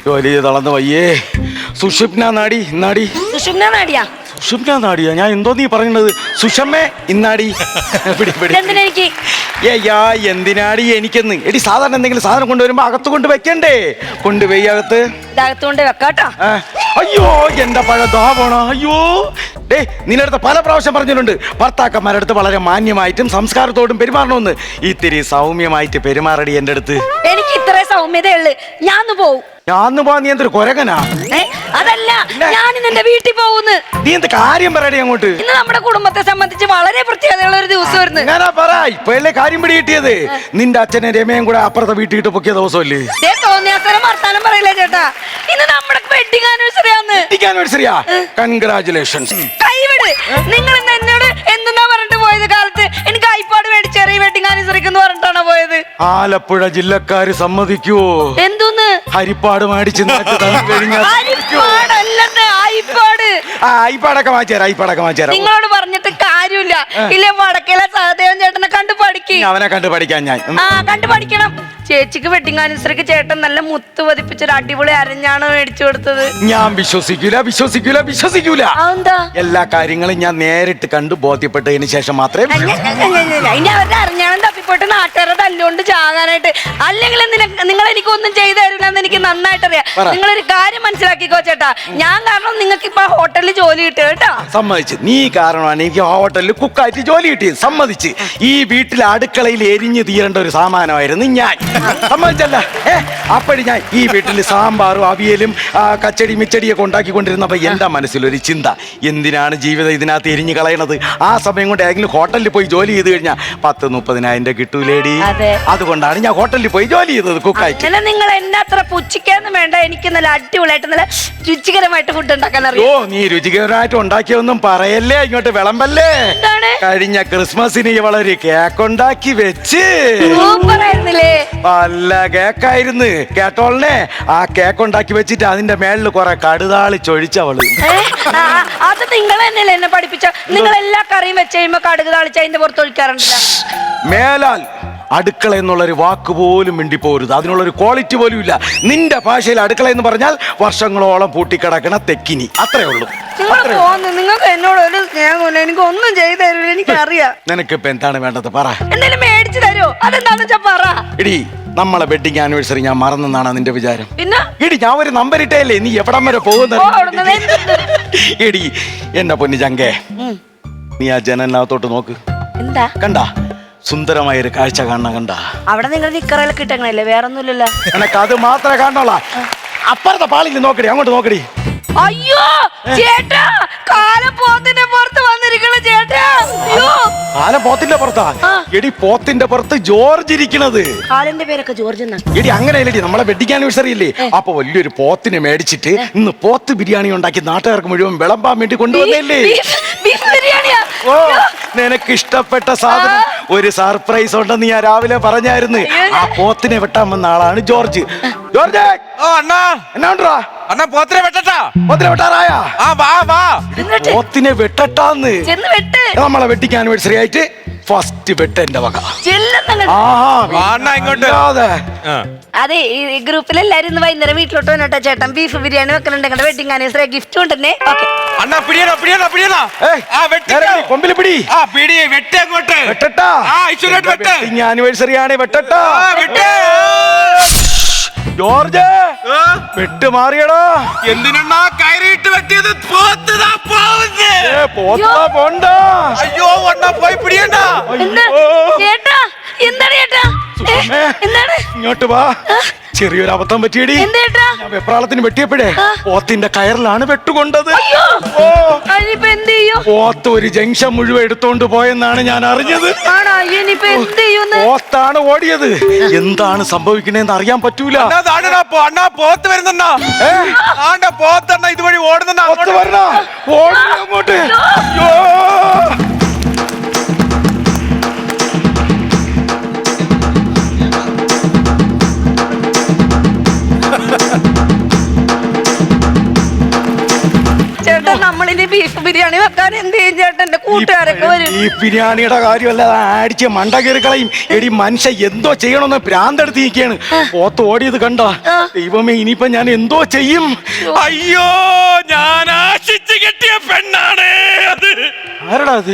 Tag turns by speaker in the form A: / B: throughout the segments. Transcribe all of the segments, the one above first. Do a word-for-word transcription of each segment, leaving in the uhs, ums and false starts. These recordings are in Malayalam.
A: ജോലി തളർന്ന് വയ്യേ. സുഷുപ്ന നാടി ഇന്നാടി.
B: സുഷുമ്ന നാടിയാ?
A: സുഷുപ്ന നാടിയാ? ഞാൻ എന്തോ നീ പറയുന്നത്? സുഷമ്മേ ഇന്നാടി.
B: എനിക്ക്
A: ഏയ്യാ എന്തിനാടി എനിക്കെന്ന്? എടി സാധാരണ എന്തെങ്കിലും സാധനം കൊണ്ടുവരുമ്പോ അകത്ത് കൊണ്ട് വെക്കണ്ടേ? കൊണ്ടുപോയി അകത്ത്.
B: ഇതകത്തുകൊണ്ട് വെക്കാട്ടോ.
A: അയ്യോ എന്റെ പഴ ദാ പോണോ. അയ്യോ ഡേ, നിന്നടുത്ത് പല പ്രാവശ്യം പറഞ്ഞിട്ടുണ്ട് ഭർത്താക്കന്മാരടുത്ത് വളരെ മാന്യമായിട്ടും സംസ്കാരത്തോടും പെരുമാറണമെന്ന്. ഇത്തിരി സൗമ്യമായിട്ട് പെരുമാറടി എന്റെ അടുത്ത്.
B: എനിക്ക് ഇത്ര സൗമ്യതയുള്ളു. ഞാൻ പോവും.
A: ഞാന്ന് പോവാ? നീ എന്തൊരു കൊരകനാ?
B: അതല്ല, ഞാൻ നിന്റെ വീട്ടിൽ പോകുന്നു.
A: നീ എന്ത് കാര്യം പറയടി അങ്ങോട്ട്?
B: ഇന്ന് നമ്മുടെ കുടുംബത്തെ സംബന്ധിച്ച് വളരെ പ്രത്യേകതയുള്ള ഒരു ദിവസമായിരുന്നു.
A: ഞാനാ പറ ഇപ്പഴല്ലേ കാര്യം പിടി കിട്ടിയത്. നിന്റെ അച്ഛനെ രമയും കൂടെ അപ്പുറത്തെ വീട്ടിൽ പൊക്കിയ ദിവസമല്ലേ?
B: തോന്നിയാസരം വർത്താനം പറയില്ല ചേട്ടാ. ഇന്ന് നമ്മുടെ വെഡിങ് ആനിവേഴ്സറി ആണ്.
A: വെഡിങ് ആനിവേഴ്സറിയാ? കൺഗ്രാറ്റുലേഷൻസ്.
B: കൈവിട്. നിങ്ങൾ ഇന്ന് എന്നോട് എന്തെന്നാ പറഞ്ഞിട്ട് പോയത്? കാലത്ത് എനിക്ക് ഐപാഡ് മേടിച്ചേറി വെഡിങ് ആനിവേഴ്സറിക്ക് എന്ന് പറഞ്ഞിട്ടാണോ പോയത്?
A: ആലപ്പുഴ ജില്ലക്കാര് സമ്മതിക്കുവോ?
B: എന്തോന്ന്
A: ഹരിപ്പാട് മേടിച്ച് ഐപാടൊക്കെ വാങ്ങിച്ചേരാ. ഐപാടൊക്കെ വാങ്ങിച്ചേരാ.
B: നിങ്ങളോട് പറഞ്ഞിട്ട് കാര്യമില്ല. ഇല്ലേ വടക്കേലെ സഹദേവൻ ചേട്ടനെ കണ്ടു പഠിക്കും.
A: അവനെ കണ്ടു പഠിക്കാൻ ഞാൻ
B: ആ കണ്ടു പഠിക്കണം. ചേച്ചിക്ക് വെഡിങ് ആനിവേഴ്സറിക്ക് ചേട്ടൻ നല്ല മുത്ത് പതിപ്പിച്ചൊരു അടിപൊളി അരഞ്ഞാണ് മേടിച്ചു കൊടുത്തത്.
A: ഞാൻ വിശ്വസിക്കൂല വിശ്വസിക്കൂല വിശ്വസിക്കൂല.
B: എന്താ? എല്ലാ
A: കാര്യങ്ങളും ഞാൻ നേരിട്ട് കണ്ടു ബോധ്യപ്പെട്ടതിന് ശേഷം മാത്രമേ.
B: ഇനി അവരുടെ അരഞ്ഞാണം തപ്പിപ്പോട്ട് നാട്ടുകാരെ തല്ലുകൊണ്ട് ചാകാനായിട്ട്. അല്ലെങ്കിൽ നിങ്ങൾ എനിക്കൊന്നും ചെയ്തു തരില്ലെന്ന് എനിക്ക് നന്നായിട്ട് അറിയാം. നിങ്ങളൊരു കാര്യം മനസ്സിലാക്കിക്കോ ചേട്ടാ. ഞാൻ കാരണം നിങ്ങൾക്ക് ഇപ്പൊ ഹോട്ടലിൽ ജോലി കിട്ടുക കേട്ടോ.
A: സമ്മതിച്ച്. നീ കാരണമാണ് എനിക്ക് ഹോട്ടലിൽ കുക്കായിട്ട് ജോലി കിട്ടിയത്. സമ്മതിച്ച്. ഈ വീട്ടിലെ അടുക്കളയിൽ എരിഞ്ഞു തീരേണ്ട ഒരു സാമാനമായിരുന്നു ഞാൻ. സമ്മതിച്ചല്ല? ഏ അപ്പഴി ഞാൻ ഈ വീട്ടിൽ സാമ്പാറും അവിയലും കച്ചടി മിച്ചടിയൊക്കെ ഉണ്ടാക്കിക്കൊണ്ടിരുന്നപ്പോ എന്റെ മനസ്സിലൊരു ചിന്ത, എന്തിനാണ് ജീവിതം ഇതിനകത്ത് എരിഞ്ഞു കളയണത്? ആ സമയം കൊണ്ട് ഏതെങ്കിലും ഹോട്ടലിൽ പോയി ജോലി ചെയ്ത് കഴിഞ്ഞാൽ പത്ത് മുപ്പതിനായിരം രൂപ കിട്ടൂലേടി. അതുകൊണ്ടാണ് ഞാൻ ഹോട്ടലിൽ പോയി ജോലി ചെയ്തത് കുക്കായിട്ട്.
B: നിങ്ങൾ എന്നെ അത്ര പുച്ഛിക്കാന്നും വേണ്ട. എനിക്ക് നല്ല അടിപൊളിയായിട്ട് നല്ല രുചികരമായിട്ട് ഫുഡ് ഉണ്ടാക്കാൻ അറിയാം.
A: ഓ നീ രുചികരമായിട്ട് ഉണ്ടാക്കിയൊന്നും പറയല്ലേ, ഇങ്ങോട്ട് വിളമ്പല്ലേ. കഴിഞ്ഞ ക്രിസ്മസിന് ഇവളൊരു കേക്ക് ഉണ്ടാക്കി വെച്ച്.
B: സൂപ്പറായിരുന്നില്ലേ?
A: നല്ല കേക്കായിരുന്നു കേട്ടോളനെ. ആ കേക്ക് ഉണ്ടാക്കി വെച്ചിട്ട് അതിന്റെ മേളിൽ കുറെ കടുതാളി ചൊഴിച്ചവള്.
B: അത് നിങ്ങൾ തന്നെയല്ലേ എന്നെ പഠിപ്പിച്ച? നിങ്ങൾ എല്ലാ കറിയും വെച്ച് കഴിയുമ്പോ കടുക് താളിച്ച് അതിന്റെ പുറത്ത് ഒഴിക്കാറുണ്ടല്ലോ.
A: മേലാൽ അടുക്കള എന്നുള്ളൊരു വാക്ക് പോലും മിണ്ടിപ്പോരുത്. അതിനുള്ളൊരു ക്വാളിറ്റി പോലും ഇല്ല. നിന്റെ ഭാഷയിൽ അടുക്കള എന്ന് പറഞ്ഞാൽ വർഷങ്ങളോളം പൂട്ടിക്കിടക്കണ തെക്കിനി, അത്രേ ഉള്ളൂ.
B: നിങ്ങൾക്ക് എന്നോട് ഒരു സ്നേഹമില്ല. എനിക്ക് ഒന്നും ചെയ്തു തരില്ല. എനിക്കറിയാം.
A: നിനക്കിപ്പോ എന്താണ് വേണ്ടത് പറ.
B: എന്തെങ്കിലും മേടിച്ചു തരുമോ? അതെന്താന്ന് വെച്ചാ പറ.
A: എടി നമ്മളെ വെഡിങ് ആനിവേഴ്സറി ഞാൻ മറന്നെന്നാണ് നിന്റെ വിചാരം?
B: പിന്നെ
A: എടി ഞാൻ ഒരു നമ്പർ ഇട്ടേല്ലേ, നീ എവിടം വരെ പോകുന്നത്? എടി എന്നെ പൊന്നു ചങ്കേ, നീ ആ ജനലിനകത്തോട്ട് നോക്ക്.
B: എന്താ
A: കണ്ടാ? സുന്ദരമായ ഒരു കാഴ്ച കാണണം. കണ്ട? അവിടെ
B: നിങ്ങൾ നിക്കറയിലൊക്കെ ഇട്ടങ്ങനല്ലേ? വേറെ ഒന്നുമില്ലല്ലോ.
A: എനക്ക് അത് മാത്രമേ കാണണോളാ. അപ്പുറത്തെ പാളിൽ നോക്കടി, അങ്ങോട്ട് നോക്കടി.
B: അയ്യോ ചേട്ടാ, കാലം പോത്തിന്റെ പുറത്ത് വന്നിരിക്കണ ചേട്ടാ. അയ്യോ
A: കാലം പോത്തിന്റെ പുറത്താ? എടി പോത്തിന്റെ പുറത്ത് ജോർജ് ഇരിക്കണത്.
B: കാലിന്റെ പേരൊക്കെ ജോർജ് എന്നാ.
A: എടി അങ്ങനെയല്ലേടി, നമ്മളെ വെഡിങ് ആനിവേഴ്സറി ഇല്ലേ, അപ്പൊ വലിയൊരു പോത്തിനെ മേടിച്ചിട്ട് ഇന്ന് പോത്ത് ബിരിയാണി ഉണ്ടാക്കി നാട്ടുകാർക്ക് മുഴുവൻ വിളമ്പാൻ വേണ്ടി കൊണ്ടുവന്നല്ലേ. ഓ നിനക്ക് ഇഷ്ടപ്പെട്ട സാധനം, ഒരു സർപ്രൈസ് ഉണ്ടെന്ന് ഞാൻ രാവിലെ പറഞ്ഞായിരുന്നു. ആ പോത്തിനെ വെട്ടാൻ വന്ന ആളാണ് ജോർജ്. ജോർജ്
C: അണ്ണാ
A: എന്നാ
C: അണ്ണാ പോത്തിനെ വെട്ടട്ടാ?
A: പോത്തിനെ വെട്ടാറായ? പോത്തിനെ വെട്ടട്ടാന്ന്. നമ്മളെ വെഡിങ് ആനിവേഴ്സറി ആയിട്ട് ഫസ്റ്റ് വെട്ട എന്റെ വക.
B: അതെ, ഈ ഗ്രൂപ്പിൽ എല്ലാരും ഇന്ന് വൈകുന്നേരം വീട്ടിലോട്ട് വന്നോട്ടെ. ചേട്ടൻ ബീഫ് ബിരിയാണി വെക്കലുണ്ട്. വെഡിങ് ആനിവേഴ്സറി ഗിഫ്റ്റ് കൊണ്ടുതന്നെ.
C: അണ്ണാ പിടിയണോ പിടിയണോ പിടിയണോ?
A: കൊമ്പിൽ പിടി.
C: ആ പിടി വെട്ടേ അങ്ങോട്ട്.
A: വെട്ടട്ടാ. വെഡിങ് ആനിവേഴ്സറി ആണ്, വെട്ടട്ടാ. ജോർജ് വെട്ട് മാറിയടാ.
C: എന്തിനാ കയറിയിട്ട് വെട്ടിയത്? പോത്തതാ
A: പോത്താ പോണ്ട.
C: അയ്യോ അണ്ണാ പോയി പിടിയണ്ട.
B: ചേട്ടാ എന്താണ് ചേട്ടാ? എന്താണ്?
A: ഇങ്ങോട്ട് വാ. ചെറിയൊരു അബദ്ധം പറ്റിയടി. ഞാൻ വെപ്രാളത്തിന് വെട്ടിയപ്പോഴേ പോത്തിന്റെ കയറിലാണ് വെട്ടുകൊണ്ടത്. പോത്ത് ഒരു ജംഗ്ഷൻ മുഴുവൻ എടുത്തോണ്ട് പോയെന്നാണ് ഞാൻ അറിഞ്ഞത്. പോത്താണ് ഓടിയത്. എന്താണ് സംഭവിക്കണേന്ന് അറിയാൻ പറ്റൂല.
C: പോത്ത് വരുന്ന പോത്തെണ്ണ ഇതുവഴി ഓടുന്ന
A: അങ്ങോട്ട്.
B: ചേട്ടൻ നമ്മളിനി ബീഫ് ബിരിയാണി വെക്കാൻ എന്ത് ചെയ്യും ചേട്ടൻ? കൂട്ടുകാരൊക്കെ വരും.
A: ഈ ബിരിയാണിയുടെ കാര്യമല്ല അടിച്ച് മണ്ട കീറിക്കളയും. എടി മനുഷ്യ എന്തോ ചെയ്യണമെന്ന് ഭ്രാന്തെടുത്ത് നിൽക്കുകയാണ്. പോത്ത് ഓടിയത് കണ്ട ദൈവമേ, ഇനിയിപ്പൊ ഞാൻ എന്തോ ചെയ്യും?
C: അയ്യോ, ഞാൻ ആശിച്ചു കെട്ടിയ പെണ്ണാണ് അത്.
A: ആരടാ അത്?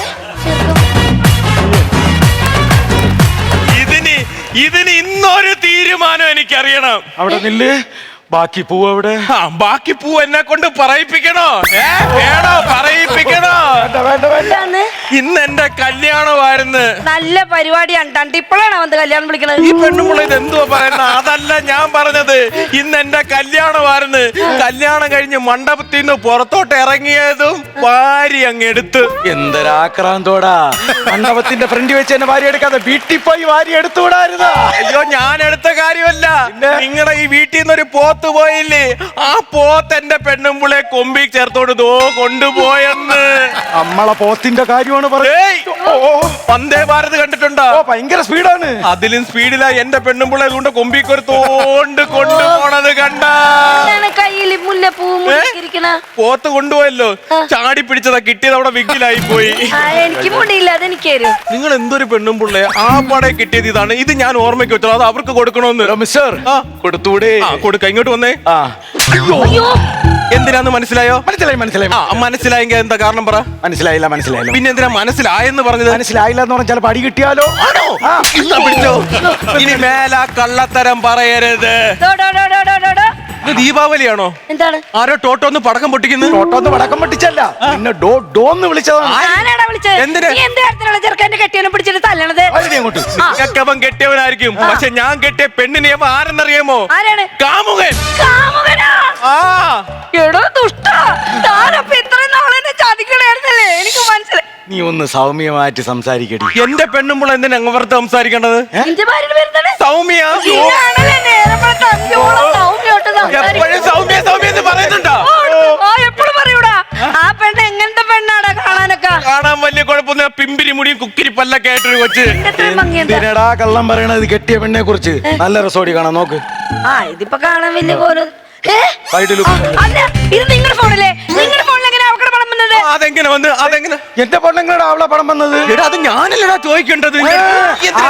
C: ഇതിന് ഇതിന് ഇന്നൊരു തീരുമാനം എനിക്കറിയണം.
A: അവിടെ നില്ല്. ബാക്കി പൂവ് എവിടെ?
C: ആ, ബാക്കി പൂ എന്നെ കൊണ്ട് പറയിപ്പിക്കണോ? ഏ, വേണോ? പറയിപ്പിക്കണോ?
A: വേണ്ട വേണ്ട വേണ്ട.
B: എന്താന്ന്?
C: ഇന്ന് എന്റെ കല്യാണമായിരുന്നു.
B: നല്ല പരിപാടിയാണ്. തണ്ട് ഇപ്പോഴാണ് വന്ന് കല്യാണം വിളിക്കണത്.
C: ഈ പെണ്ണുമുള്ള ഇത് എന്തുവാ പറയുന്നത്? അതല്ല ഞാൻ പറഞ്ഞത്. ഇന്ന് എന്റെ കല്യാണമായിരുന്നു. കല്യാണം കഴിഞ്ഞ് മണ്ഡപത്തിൽ നിന്ന് പുറത്തോട്ട് ഇറങ്ങിയതും ഭാര്യ അങ്ങ് എടുത്ത്.
A: എന്തൊരാക്രാന്തോടാ! മണ്ഡപത്തിന്റെ ഫ്രണ്ട് വെച്ച് എന്നെ വാരി എടുക്കാതെ വീട്ടിൽ പോയി വാരി എടുത്തുകൂടായിരുന്നോ?
C: അയ്യോ, ഞാൻ എടുത്ത കാര്യമല്ല.
A: പിന്നെ?
C: നിങ്ങളുടെ ഈ വീട്ടിൽ നിന്നൊരു പോത്ത് പോയില്ലേ, ആ പോത്ത് എന്റെ പെണ്ണുമ്പുളെ കൊമ്പി ചേർത്തോട് ദോ കൊണ്ടുപോയെന്ന്.
A: നമ്മളെ പോത്തിന്റെ കാര്യമാണ് പറയുന്നത്.
C: ഏയ്, വന്ദേ ഭാരത് കണ്ടിട്ടുണ്ടോ?
A: ഓ, ഭയങ്കര സ്പീഡാണ്.
C: അതിലും സ്പീഡിലാ എന്റെ പെണ്ണുമ്പുളെ കൊണ്ട് കൊമ്പിക്കൊരു തോണ്ട് കൊണ്ടുപോണത് കണ്ട.
B: എന്താണ് കയ്യിൽ മുല്ലപ്പൂ മുടിക്കിരിക്കണ?
C: പോത്ത് കൊണ്ടുപോയല്ലോ, ചാടി പിടിച്ചതാ, കിട്ടിയത് അവിടെ വിഗിലായി പോയി.
B: ആ, എനിക്ക് മുടിയില്ല, അതെനിക്ക് തരും.
C: നിങ്ങൾ എന്തൊരു പെണ്ണുമ്പുള്ളേ, ആ പടെ കിട്ടിയത് ഇതാണ്. ഇത് ഞാൻ ഓർമ്മയ്ക്ക് വെച്ചോ, അത് അവർക്ക് കൊടുക്കണമെന്ന്.
A: മിസ്റ്റർ,
C: ആ.
A: കൊടുത്തൂടെ?
C: ആ, കൊടുക്ക. ഇങ്ങോട്ട് വന്നേ.
A: ആ,
B: അയ്യോ,
C: എന്തിനാന്ന് മനസ്സിലായോ?
A: മനസ്സിലായി മനസ്സിലായി.
C: ആ, മനസ്സിലായെങ്കിൽ എന്താ കാരണം പറ.
A: മനസ്സിലായില്ല മനസ്സിലായില്ല.
C: പിന്നെ എന്തിനാ മനസ്സിലായെന്ന് പറഞ്ഞത്?
A: മനസ്സിലായില്ല എന്ന് പറഞ്ഞാൽ ചിലപ്പോ അടി കിട്ടിയാലോ?
C: ആണോ?
A: ആ.
C: ഇന്നാ പിടിച്ചോ. ഇനി മേലാ കള്ളത്തരം പറയരുത്.
B: ഡോ, ഡോ, ഡോ, ഡോ, ഡോ, ഡോ, ഡോ.
C: ഇത് ദീപാവലിയാണോ?
B: എന്താണ്?
C: ആരോ ടോട്ടോന്ന് പടക്കം പൊട്ടിക്കുന്നു.
A: ടോട്ടോന്ന് വടക്കം പൊട്ടിച്ചല്ല, പിന്നെ ഡോ ഡോന്ന് വിളിച്ചതാണ്.
B: ഞാനാടാ വിളിച്ചത്.
C: എന്തിന്?
B: നീ എന്ത് കാര്യത്തിലുള്ള ചെറുക്കന്റെ കെട്ടിയവനെ പിടിച്ചിട്ട് തല്ലണത്?
A: അതിനെ അങ്ങോട്ട്.
C: അവൻ കെട്ടിയവനായിരിക്കും, പക്ഷെ ഞാൻ കെട്ടിയ പെണ്ണിനെ അവൻ ആരെന്നറിയാമോ?
B: ആരാണ്?
C: കാമുകൻ.
B: കാമുകനാ?
C: ആ,
B: എടോ ദുഷ്ടാ, താനപ്പൊ ഇത്രയും നാളെന്നെ ചതിക്കണായിരുന്നല്ലേ? എനിക്ക് മനസ്സിലായി.
A: നീ ഒന്ന് സൗമ്യമായിട്ട് സംസാരിക്കടി.
C: എന്റെ പെണ്ണുമ്പോൾ എന്തിനാ അങ്ങവർത്ത് സംസാരിക്കേണ്ടത്?
B: നിന്റെ ഭാര്യയുടെ പേരെന്താണ്?
C: സൗമ്യ.
B: ഇതാണല്ലേ നേരം വെളുത്ത അന്തിയോളം സൗമ്യമായിട്ട്
C: എപ്പോഴും
B: സംസാരിക്കുന്നത്.
C: സൗമ്യ സൗമ്യ എന്ന് പറയുന്നുണ്ടോ?
B: ആ, എപ്പോഴും പറയൂടാ. ആ പെണ്ണ് എങ്ങനത്തെ പെണ്ണാടാ കാണാനൊക്കെ?
C: കാണാൻ വലിയ കുഴപ്പമൊന്നും, പിമ്പിരി മുടിയും കുക്കിരി പല്ലൊക്കെ ആയിട്ടൊരു കൊച്ച്.
B: എത്രയും ഭംഗിയുണ്ട്.
A: എന്തിനടാ കള്ളം പറയണത്? കെട്ടിയ പെണ്ണെ കുറിച്ച് നല്ല രസോടി കാണാൻ നോക്ക്.
B: ആ, ഇതിപ്പോ കാണാൻ വലിയ പോലെ. ഏ?
A: സൈഡിൽ
B: ആ, അല്ല, ഇത് നിങ്ങളുടെ ഫോണല്ലേ? നിങ്ങളുടെ ഫോണിൽ എങ്ങനെ അവക്കടെ പണം വന്നത്?
C: ആ, അതെങ്ങനെ വന്ന്? അതെങ്ങനെ?
A: എന്റെ പെണ്ണുങ്ങളുടെ അവളെ പടം വന്നത്.
C: എടാ, അത് ഞാനല്ലടാ ചോദിക്കേണ്ടത്. എന്തിനാ?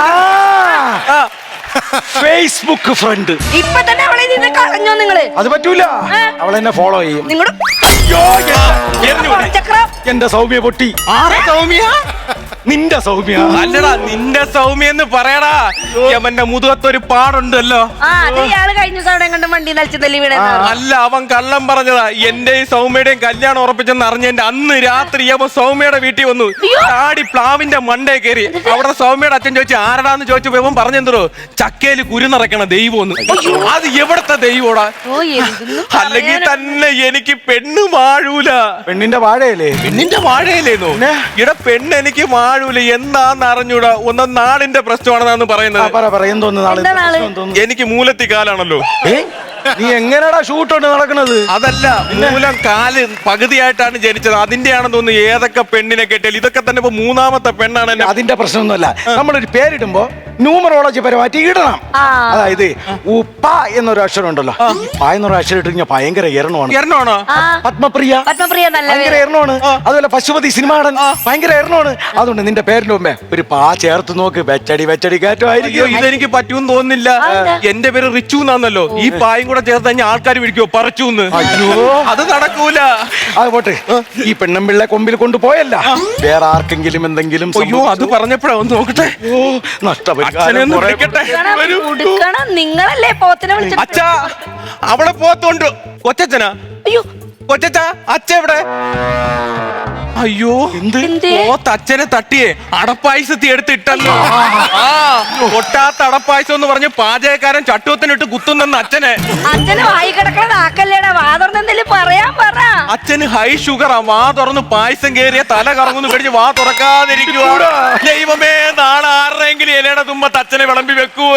C: ആ,
A: ഫേസ്ബുക്ക് ഫ്രണ്ട്.
B: ഇപ്പൊ തന്നെ അവളെ നിന്ന് കളഞ്ഞോ നിങ്ങള്?
A: അത് പറ്റൂല, അവളെന്നെ ഫോളോ ചെയ്യും.
B: നിങ്ങളുടെ
A: അയ്യോ,
C: എറിഞ്ഞു വിട്.
B: ചക്രം.
A: എന്റെ സൗമ്യ പൊട്ടി.
C: ആരാ സൗമ്യ?
A: നിന്റെ സൗമ്യ.
C: അല്ലടാ, നിന്റെ സൗമ്യ എന്ന് പറയടാ. അവന്റെ മുതുകത്തൊരു പാടുണ്ടല്ലോ.
B: ആ, അത് ഇയാള് കഴിഞ്ഞ ദിവസം അവിടെ കണ്ട് വണ്ടി നലിച്ച് തല്ലി വീണ.
C: അല്ല, അവൻ കള്ളം പറഞ്ഞതാ. എന്റെയും സൗമ്യയുടെയും കല്യാണം ഉറപ്പിച്ചെന്ന് അറിഞ്ഞെന്റെ അന്ന് രാത്രി അവൻ സൗമ്യയുടെ വീട്ടിൽ വന്നു. ചാടി പ്ലാവിന്റെ മണ്ടേ കയറി. അവിടെ സൗമ്യയുടെ അച്ഛൻ ചോദിച്ചു ആരടാന്ന് ചോദിച്ചപ്പോ ഇവൻ പറഞ്ഞെന്തോ, ചക്കയില് കുരുനിറക്കണ ദൈവം. അത് എവിടത്തെ ദൈവോടാ?
B: ഓ, എന്തെന്ന്
C: അല്ലെങ്കിൽ
B: പറയാനാ?
C: തന്നെ എനിക്ക് പെണ്ണ് വാഴൂല.
A: പെണ്ണിന്റെ വാഴയല്ലേ?
C: പെണ്ണിന്റെ വാഴയില്ലേന്നോ?
A: പിന്നെ?
C: ഇവിടെ പെണ്ണ് എനിക്ക് വാഴൂല. എന്താന്ന് അറിഞ്ഞൂടാ. ഒന്നും നാടിന്റെ പ്രശ്നമാണെന്നാണ്
A: ആ,
C: പറയുന്നത്.
A: പറ പറ എന്തോന്ന് നാളെ
B: എന്താ നാളെ?
A: എന്തോന്ന്?
C: എനിക്ക് മൂലത്തി കാലാണല്ലോ.
A: ഏ? നീ എങ്ങനെയാടാ ഷൂട്ട് കൊണ്ട് നടക്കണത്?
C: അതല്ല, മൂലം കാല് പകുതിയായിട്ടാണ് ജനിച്ചത്. അതിന്റെയാണെന്ന് തോന്നുന്നു. ഏതൊക്കെ പെണ്ണിനെ കെട്ടിയാൽ ഇതൊക്കെ തന്നെ ഇപ്പൊ മൂന്നാമത്തെ പെണ്ണാണ് എന്നെ.
A: അതിന്റെ പ്രശ്നമൊന്നുമല്ല. നമ്മളൊരു പേരിടുമ്പോ ന്യൂമറോളജി പരമായിട്ട് ഇടണം.
B: ആ.
A: അതായത് ഉപ്പ എന്നൊരു അക്ഷരം ഉണ്ടല്ലോ. പ എന്നൊരു അക്ഷരം ഇട്ട് കഴിഞ്ഞാൽ ഭയങ്കര എരണമാണ്.
C: എരണമാണോ?
B: ആ,
A: പത്മപ്രിയ
B: പത്മപ്രിയ നല്ല
A: ഭയങ്കര
B: പേര്.
A: എരണമാണ്. അതുപോലെ പശുപതി സിനിമാടൻ ഭയങ്കര എരണമാണ്. അതുകൊണ്ട് നിന്റെ പേരിന്റെ മുമ്പേ ഒരു പാ ചേർത്ത് നോക്ക്. വെച്ചടി വെച്ചടി
C: അയ്യോ,
A: കയറ്റമായിരിക്കും.
C: ഇതെനിക്ക് പറ്റൂന്ന് തോന്നുന്നില്ല.
B: അതെന്താ?
C: എന്റെ പേര് റിച്ചു എന്നാന്നല്ലോ. ഈ പായും കൂടെ ചേർത്ത് കഴിഞ്ഞാൽ ആൾക്കാർ വിളിക്കോ പറച്ചൂന്ന്.
A: അയ്യോ,
C: അത് നടക്കൂല.
A: അത് പോട്ടെ. ഈ പെണ്ണമ്പിള്ളെ കൊമ്പിൽ കൊണ്ടുപോയല്ല, വേറെ ആർക്കെങ്കിലും എന്തെങ്കിലും
C: അയ്യോ, അത് പറഞ്ഞപ്പോഴാ ഒന്ന് നോക്കട്ടെ. അച്ഛനെ
A: നഷ്ടപരിഹാരം
C: ഒന്ന്
A: കുറെ-
C: വിളിക്കട്ടെ.
B: ഉടുക്കണം,
C: വരൂ.
B: ഉടുക്കണം. നിങ്ങളല്ലേ പോത്തിനെ വിളിച്ചത്?
C: അച്ഛാ, അവളെ പോത്തോണ്ട്. കൊച്ചച്ഛനാ?
B: അയ്യോ,
C: കൊച്ചച്ഛ, അച്ഛ എവിടെ? അയ്യോ,
A: എന്ത്?
B: എന്തേ?
C: പോത്ത് അച്ഛനെ തട്ടിയേ അടപ്പായസത്തി എടുത്തിട്ടല്ലോ. ആ, പൊട്ടാത്ത അടപ്പായസം എന്ന് പറഞ്ഞ് പാചകക്കാരൻ ചട്ടുവത്തിനിട്ട് കുത്തുന്നെന്ന് അച്ഛനെ.
B: അച്ഛന് വായി കിടക്കണ നാക്കല്ലേടാ, വാതുറന്ന് എന്തെങ്കിലും പറയാൻ പറ.
C: അച്ഛന് ഹൈ ഷുഗറാ. വാ തുറന്ന് പായസം കേറിയ തല കറങ്ങുന്നു കഴിഞ്ഞ് വാ തുറക്കാതിരിക്കുക. ദൈവമേ, നാളെ ആരുടെയെങ്കിലും ഇലയുടെ തുമ്പത്ത് അച്ഛനെ വിളമ്പി വെക്കുവോ?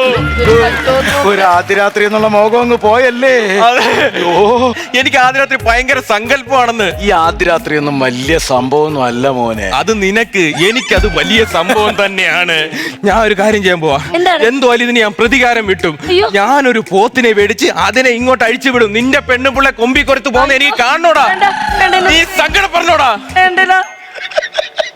A: ഒരു ആദ്യരാത്രി എന്നുള്ള മോഹം അങ്ങ് പോയല്ലേ?
C: അതെ. ഓ, എനിക്ക് ആദ്യ രാത്രി ഭയങ്കര സങ്കല്പമാണെന്ന്.
A: ഈ ആദ്യരാത്രി ഒന്നും വലിയ സംഭവമൊന്നും അല്ല മോനെ.
C: അത് നിനക്ക്, എനിക്കത് വലിയ സംഭവം തന്നെയാണ്. ഞാൻ ഒരു കാര്യം ചെയ്യാൻ പോവാ.
B: എന്താണ്?
C: എന്തോ ഇതിന് ഞാൻ പ്രതികാരം വിട്ടും.
B: അയ്യോ.
C: ഞാനൊരു പോത്തിനെ മേടിച്ച് അതിനെ ഇങ്ങോട്ട് അഴിച്ചു വിടും. നിന്റെ പെണ്ണുപിള്ള കൊമ്പി കൊരുത്ത് പോകുന്ന എനിക്ക് കാണണോടാ?
B: വേണ്ട, വേണ്ടല്ലോ.
C: നീ സങ്കടം പറഞ്ഞോടാ?
B: വേണ്ടല്ലോ.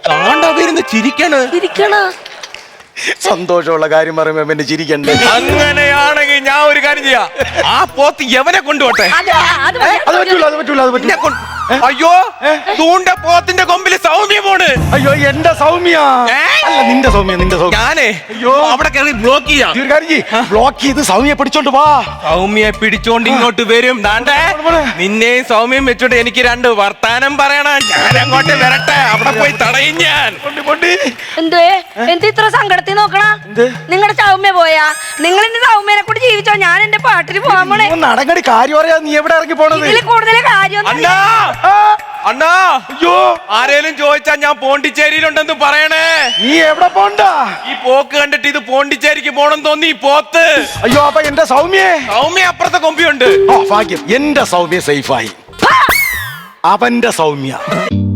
C: കാണ്ടവരുന്ന് ചിരിക്കണ്
B: ഇരിക്കണ
A: സന്തോഷമുള്ള കാര്യം പറയുമ്പോ പിന്നെ ചിരിക്കണ്ടേ?
C: അങ്ങനെയാണെങ്കിൽ ഞാൻ ഒരു കാര്യം ചെയ്യാം, ആ പോത്ത് എവനെ കൊണ്ടുപോട്ടെ.
B: അത് അത് മതി.
A: അത് പറ്റൂല, അത് പറ്റൂല, അത് പറ്റൂല.
C: എന്നെ കൊണ്ട്- അയ്യോ തൂണ്ട പോത്തിന്റെ കൊമ്പില് സൗമ്യ പോണ്.
A: അയ്യോ എന്റെ സൗമ്യ.
C: ഏ?
A: അല്ല നിന്റെ സൗമ്യ, നിന്റെ സൗമ്യ.
C: ഞാനേ
A: അയ്യോ.
C: അവിടെ കയറി ബ്ലോക്ക് ചെയ്യാം.
A: ഈ ഒരു കാര്യം ചെയ്യ്, ബ്ലോക്ക് ചെയ്ത് സൗമ്യ പിടിച്ചോണ്ട് വാ.
C: സൗമ്യയെ പിടിച്ചോണ്ട് ഇങ്ങോട്ട് വരും. ദാണ്ടേ നിന്നെയും സൗമ്യയും വെച്ചോണ്ട് എനിക്ക് രണ്ട് വർത്താനം പറയണം. ഞാൻ അങ്ങോട്ട് വരട്ടെ, അവിടെ പോയി തടയും ഞാൻ.
B: എന്തുവേ എന്ത് ഇത്ര സങ്കടത്തിൽ നോക്കണ? നിങ്ങളുടെ സൗമ്യ പോയാ? നിങ്ങൾ എന്റെ സൗമ്യനെ കൂടി ജീവിച്ചോ, ഞാൻ എന്റെ പാട്ടിന് പോകാൻ പോണേ.
A: നടങ്ങടി കാര്യം പറയാ, നീ എവിടെ ഇറങ്ങി പോണത്?
B: ഇതിൽ കൂടുതൽ കാര്യം
C: അണ്ണാ അണ്ണാ
A: അയ്യോ
C: ആരേലും ചോദിച്ചാ ഞാൻ പോണ്ടിച്ചേരിയിലുണ്ടെന്ന് പറയണേ.
A: നീ എവിടെ പോണ്ട?
C: ഈ പോക്ക് കണ്ടിട്ട് ഇത് പോണ്ടിച്ചേരിക്ക് പോണം തോന്നി ഈ പോത്ത്.
A: അയ്യോ അപ്പൊ എന്റെ സൗമ്യേ?
C: സൗമ്യ അപ്പുറത്തെ കൊമ്പിയുണ്ട്.
A: ആ ഭാഗ്യം, എന്റെ സൗമ്യ സേഫായി. അവന്റെ സൗമ്യ